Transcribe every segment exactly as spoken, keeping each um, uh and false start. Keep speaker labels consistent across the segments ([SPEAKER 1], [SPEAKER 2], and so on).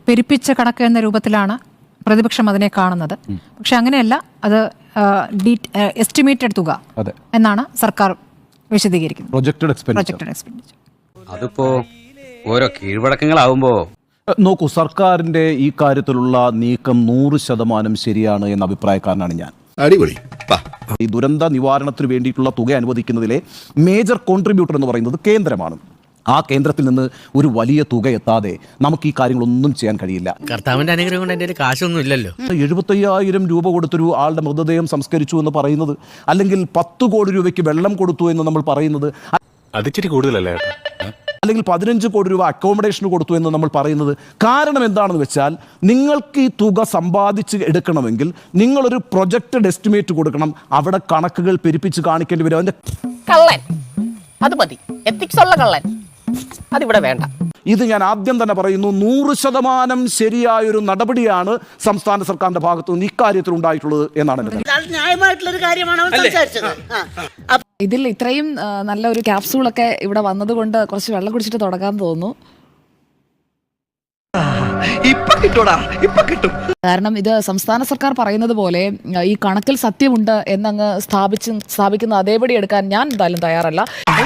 [SPEAKER 1] പെരുപ്പിച്ച കണക്ക് എന്ന രൂപത്തിലാണ് പ്രതിപക്ഷം അതിനെ കാണുന്നത്. പക്ഷെ അങ്ങനെയല്ല, അത് എസ്റ്റിമേറ്റഡ് തുക എന്നാണ് സർക്കാർ വിശദീകരിക്കുന്നത്. Projected expenditure.
[SPEAKER 2] അതിപ്പോ ഓരോ കീഴ്വഴക്കങ്ങളാവുമ്പോ
[SPEAKER 3] നോക്കൂ, സർക്കാരിന്റെ ഈ കാര്യത്തിലുള്ള നീക്കം നൂറ് ശതമാനം ശരിയാണ് എന്ന അഭിപ്രായക്കാരനാണ് ഞാൻ.
[SPEAKER 4] അടിപൊളി.
[SPEAKER 3] ഈ ദുരന്ത നിവാരണത്തിന് വേണ്ടിയിട്ടുള്ള തുക അനുവദിക്കുന്നതിലെ മേജർ കോൺട്രിബ്യൂട്ടർ എന്ന് പറയുന്നത് കേന്ദ്രമാണ്. ആ കേന്ദ്രത്തിൽ നിന്ന് ഒരു വലിയ തുക എത്താതെ നമുക്ക് ഈ കാര്യങ്ങളൊന്നും ചെയ്യാൻ കഴിയില്ല.
[SPEAKER 5] കർത്താവിന്റെ അനുഗ്രഹം കൊണ്ട് എൻ്റെ കാശൊന്നും ഇല്ലല്ലോ.
[SPEAKER 3] എഴുപത്തയ്യായിരം രൂപ കൊടുത്തൊരു ആളുടെ മൃതദേഹം സംസ്കരിച്ചു എന്ന് പറയുന്നത്, അല്ലെങ്കിൽ പത്ത് കോടി രൂപയ്ക്ക് വെള്ളം കൊടുത്തു എന്ന് നമ്മൾ പറയുന്നത്,
[SPEAKER 4] അതിച്ചിരി കൂടുതലല്ലേ?
[SPEAKER 3] അല്ലെങ്കിൽ പതിനഞ്ച് കോടി രൂപ അക്കോമഡേഷന് കൊടുത്തു എന്ന് നമ്മൾ പറയുന്നത് കാരണം എന്താണെന്ന് വെച്ചാൽ, നിങ്ങൾക്ക് ഈ തുക സമ്പാദിച്ച് എടുക്കണമെങ്കിൽ നിങ്ങളൊരു പ്രൊജക്റ്റഡ് എസ്റ്റിമേറ്റ് കൊടുക്കണം. അവിടെ കണക്കുകൾ പെരുപ്പിച്ച് കാണിക്കേണ്ടി വരും. അതിന്റെ
[SPEAKER 6] കള്ളൻ അത് മതി, എത്തിക്സ് ഉള്ള കള്ളൻ അതിവിടെ വേണ്ട.
[SPEAKER 3] ഇത് ഞാൻ ആദ്യം തന്നെ പറയുന്നു, നൂറ് ശതമാനം ശരിയായൊരു നടപടിയാണ് സംസ്ഥാന സർക്കാരിന്റെ ഭാഗത്തു നിന്ന് ഇക്കാര്യത്തിൽ ഉണ്ടായിട്ടുള്ളത് എന്നാണ്
[SPEAKER 6] ന്യായമായിട്ടുള്ളൊരു കാര്യമാണ് അവൻ സംസാരിച്ചത്.
[SPEAKER 7] ഇതിൽ ഇത്രയും നല്ലൊരു ക്യാപ്സൂളൊക്കെ ഇവിടെ വന്നതുകൊണ്ട് കുറച്ച് വെള്ളം കുടിച്ചിട്ട് തുടങ്ങാൻ തോന്നുന്നു. കാരണം ഇത് സംസ്ഥാന സർക്കാർ പറയുന്നത് പോലെ ഈ കണക്കിൽ സത്യമുണ്ട് എന്നങ്ങ് സ്ഥാപിച്ച് സ്ഥാപിക്കുന്ന അതേപടി എടുക്കാൻ ഞാൻ എന്തായാലും തയ്യാറല്ല.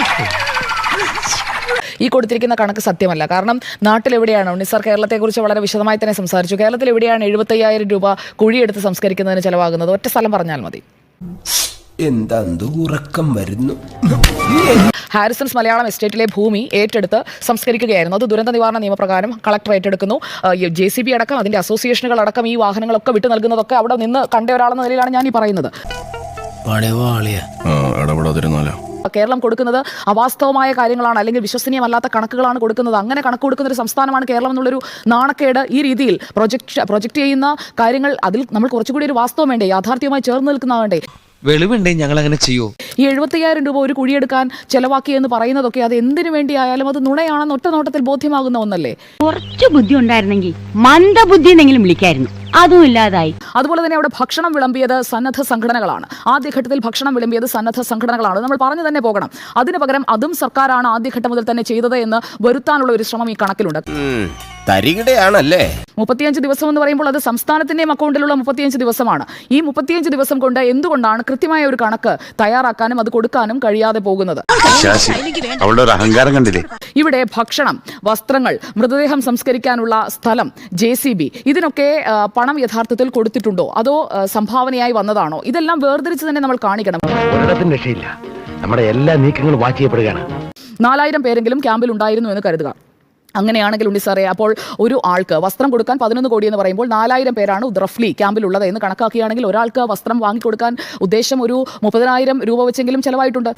[SPEAKER 7] ഈ കൊടുത്തിരിക്കുന്ന കണക്ക് സത്യമല്ല. കാരണം നാട്ടിലെവിടെയാണ് ഉണ്ണിസാർ കേരളത്തെക്കുറിച്ച് വളരെ വിശദമായി തന്നെ സംസാരിച്ചു. കേരളത്തിൽ എവിടെയാണ് എഴുപത്തയ്യായിരം രൂപ കുഴിയെടുത്ത് സംസ്കരിക്കുന്നതിന് ചെലവാകുന്നത്? ഒറ്റ സ്ഥലം പറഞ്ഞാൽ മതി.
[SPEAKER 8] എന്താ ഉറക്കം വരുന്നു.
[SPEAKER 7] ഹാരിസൺസ് മലയാളം എസ്റ്റേറ്റിലെ ഭൂമി ഏറ്റെടുത്ത് സംസ്കരിക്കുകയായിരുന്നു. അത് ദുരന്ത നിവാരണ നിയമപ്രകാരം കളക്ടർ ഏറ്റെടുക്കുന്നു. ജെ സി ബി അടക്കം അതിന്റെ അസോസിയേഷനുകൾ അടക്കം ഈ വാഹനങ്ങളൊക്കെ വിട്ടു നൽകുന്നതൊക്കെ അവിടെ നിന്ന് കണ്ട ഒരാളെന്ന നിലയിലാണ് ഞാൻ ഈ പറയുന്നത്. കേരളം കൊടുക്കുന്നത് അവാസ്തവമായ കാര്യങ്ങളാണ്, അല്ലെങ്കിൽ വിശ്വസനീയമല്ലാത്ത കണക്കുകളാണ് കൊടുക്കുന്നത്. അങ്ങനെ കണക്ക് കൊടുക്കുന്ന ഒരു സംസ്ഥാനമാണ് കേരളം എന്നുള്ളൊരു നാണക്കേട് ഈ രീതിയിൽ പ്രൊജക്ട് പ്രൊജക്ട് ചെയ്യുന്ന കാര്യങ്ങൾ അതിൽ നമ്മൾ കുറച്ചുകൂടി ഒരു വാസ്തവം വേണ്ടേ, യാഥാർത്ഥ്യവുമായി ചേർന്ന് നിൽക്കുന്ന വേണ്ടേ?
[SPEAKER 5] വെളിവുണ്ടേ ഞങ്ങൾ അങ്ങനെ ചെയ്യൂ.
[SPEAKER 7] ഈ എഴുപത്തയ്യായിരം രൂപ ഒരു കുഴിയെടുക്കാൻ ചെലവാക്കി എന്ന് പറയുന്നതൊക്കെ അത് എന്തിനു വേണ്ടിയായാലും അത് നുണയാണെന്ന് ഒറ്റ നോട്ടത്തിൽ ബോധ്യമാകുന്ന ഒന്നല്ലേ?
[SPEAKER 9] കുറച്ച് ബുദ്ധി ഉണ്ടായിരുന്നെങ്കിൽ മന്ദബുദ്ധി എന്നെങ്കിലും വിളിക്കായിരുന്നു, അതും ഇല്ലാതായി.
[SPEAKER 7] അതുപോലെ തന്നെ അവിടെ ഭക്ഷണം വിളമ്പിയത് സന്നദ്ധ സംഘടനകളാണ്. ആദ്യഘട്ടത്തിൽ ഭക്ഷണം വിളമ്പിയത് സന്നദ്ധ സംഘടനകളാണ്. നമ്മൾ പറഞ്ഞു തന്നെ പോകണം. അതിന് പകരം അതും സർക്കാരാണ് ആദ്യഘട്ടം മുതൽ തന്നെ ചെയ്തത് എന്ന് വരുത്താനുള്ള ഒരു ശ്രമം ഈ കണക്കിലുണ്ട്.
[SPEAKER 8] തരികിടയാണല്ലേ?
[SPEAKER 7] മുപ്പത്തിയഞ്ച് ദിവസം എന്ന് പറയുമ്പോൾ അത് സംസ്ഥാനത്തിന്റെയും അക്കൗണ്ടിലുള്ള മുപ്പത്തിയഞ്ച് ദിവസമാണ്. ഈ മുപ്പത്തിയഞ്ച് ദിവസം കൊണ്ട് എന്തുകൊണ്ടാണ് കൃത്യമായ ഒരു കണക്ക് തയ്യാറാക്കാനും അത് കൊടുക്കാനും കഴിയാതെ പോകുന്നത്?
[SPEAKER 4] അഹങ്കാരം കണ്ടില്ലേ?
[SPEAKER 7] ഇവിടെ ഭക്ഷണം, വസ്ത്രങ്ങൾ, മൃതദേഹം സംസ്കരിക്കാനുള്ള സ്ഥലം, ജെ സി ബി, ഇതിനൊക്കെ പണം യഥാർത്ഥത്തിൽ കൊടുത്തിട്ടുണ്ടോ അതോ സംഭാവനയായി വന്നതാണോ? ഇതെല്ലാം വേർതിരിച്ച് തന്നെ നമ്മൾ കാണിക്കണം.
[SPEAKER 8] നമ്മുടെ എല്ലാ നീക്കങ്ങളും വാച്ച് ചെയ്യപ്പെടുകയാണ്.
[SPEAKER 7] നാലായിരം പേരെങ്കിലും ക്യാമ്പിൽ ഉണ്ടായിരുന്നു എന്ന് കരുതുക. അങ്ങനെയാണെങ്കിൽ ഉണ്ണിസാറേ, അപ്പോൾ ഒരു ആൾക്ക് വസ്ത്രം കൊടുക്കാൻ പതിനൊന്ന് കോടി എന്ന് പറയുമ്പോൾ നാലായിരം പേരാണ് റഫ്ലി ക്യാമ്പിലുള്ളത് എന്ന് കണക്കാക്കുകയാണെങ്കിൽ ഒരാൾക്ക് വസ്ത്രം വാങ്ങിക്കൊടുക്കാൻ ഉദ്ദേശം ഒരു മുപ്പതിനായിരം രൂപ വെച്ചെങ്കിലും ചെലവായിട്ടുണ്ട്.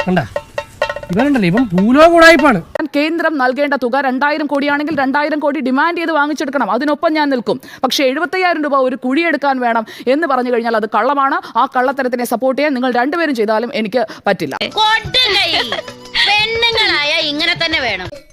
[SPEAKER 7] കേന്ദ്രം നൽകേണ്ട തുക രണ്ടായിരം കോടിയാണെങ്കിൽ രണ്ടായിരം കോടി ഡിമാൻഡ് ചെയ്ത് വാങ്ങിച്ചെടുക്കണം. അതിനൊപ്പം ഞാൻ നിൽക്കും. പക്ഷേ എഴുപത്തയ്യായിരം രൂപ ഒരു കുഴിയെടുക്കാൻ വേണം എന്ന് പറഞ്ഞു കഴിഞ്ഞാൽ അത് കള്ളമാണ്. ആ കള്ളത്തരത്തിനെ സപ്പോർട്ട് ചെയ്യാൻ നിങ്ങൾ രണ്ടുപേരും ചെയ്താലും എനിക്ക് പറ്റില്ല.
[SPEAKER 9] പെണ്ണുങ്ങളായ ഇങ്ങനെ തന്നെ വേണം.